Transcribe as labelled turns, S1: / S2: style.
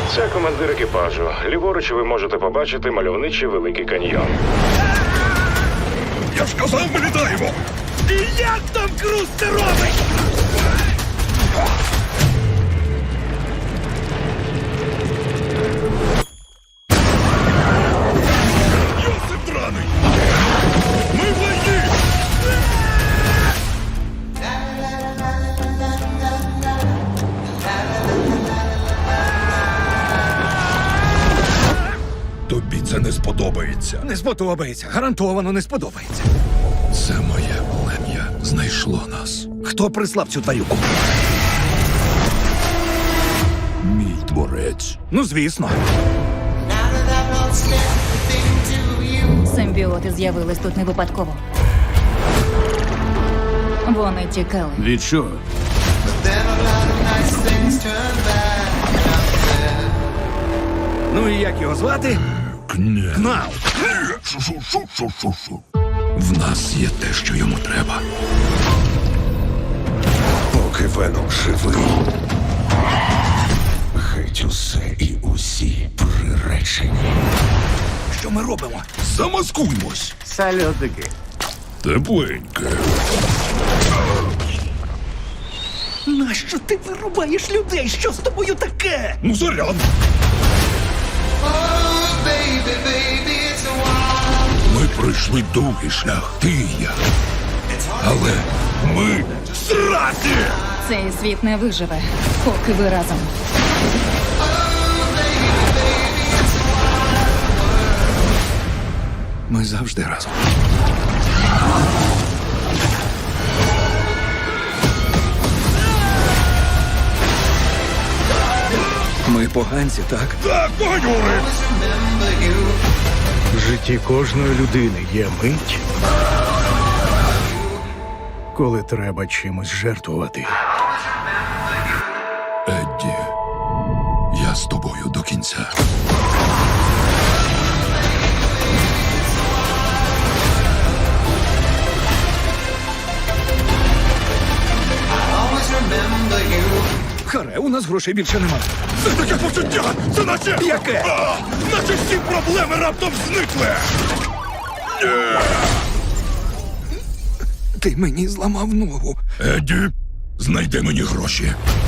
S1: Це командир екіпажу. Ліворуч ви можете побачити мальовничий Великий каньйон.
S2: Я ж казав, ми літаємо!
S3: І як там Круз це робить?
S2: Йосип драний! Ми в лайні! Тобі це не сподобається.
S3: Не сподобається. Гарантовано не сподобається.
S2: Це моє плем'я знайшло нас.
S3: Хто прислав цю тварюку?
S2: Мій творець.
S3: Ну, звісно.
S4: Симбіоти з'явились тут не випадково. Вони тікали.
S2: Від чого?
S3: Ну і як його звати? Кнал.
S2: В нас є те, що йому треба.
S5: Поки Веном живий, геть усе і усі приречені.
S3: Що ми робимо?
S2: Замаскуймось.
S5: Сальотики.
S2: Тепленьке.
S3: Нащо ти вирубаєш людей? Що з тобою таке?
S2: Ну, заряд. Ми пройшли довгий шлях, ти і я. Але ми зраді!
S4: Цей світ не виживе, поки ви разом.
S3: Ми завжди разом. Ми поганці, так?
S2: Так, поганюри!
S6: В житті кожної людини є мить, коли треба чимось жертвувати.
S2: Едді, я з тобою до кінця.
S3: Харе, у нас грошей більше немає.
S2: Це таке почуття! Це наче...
S3: Яке?
S2: Наче всі проблеми раптом зникли!
S3: Ти мені зламав ногу.
S2: Едді, знайди мені гроші.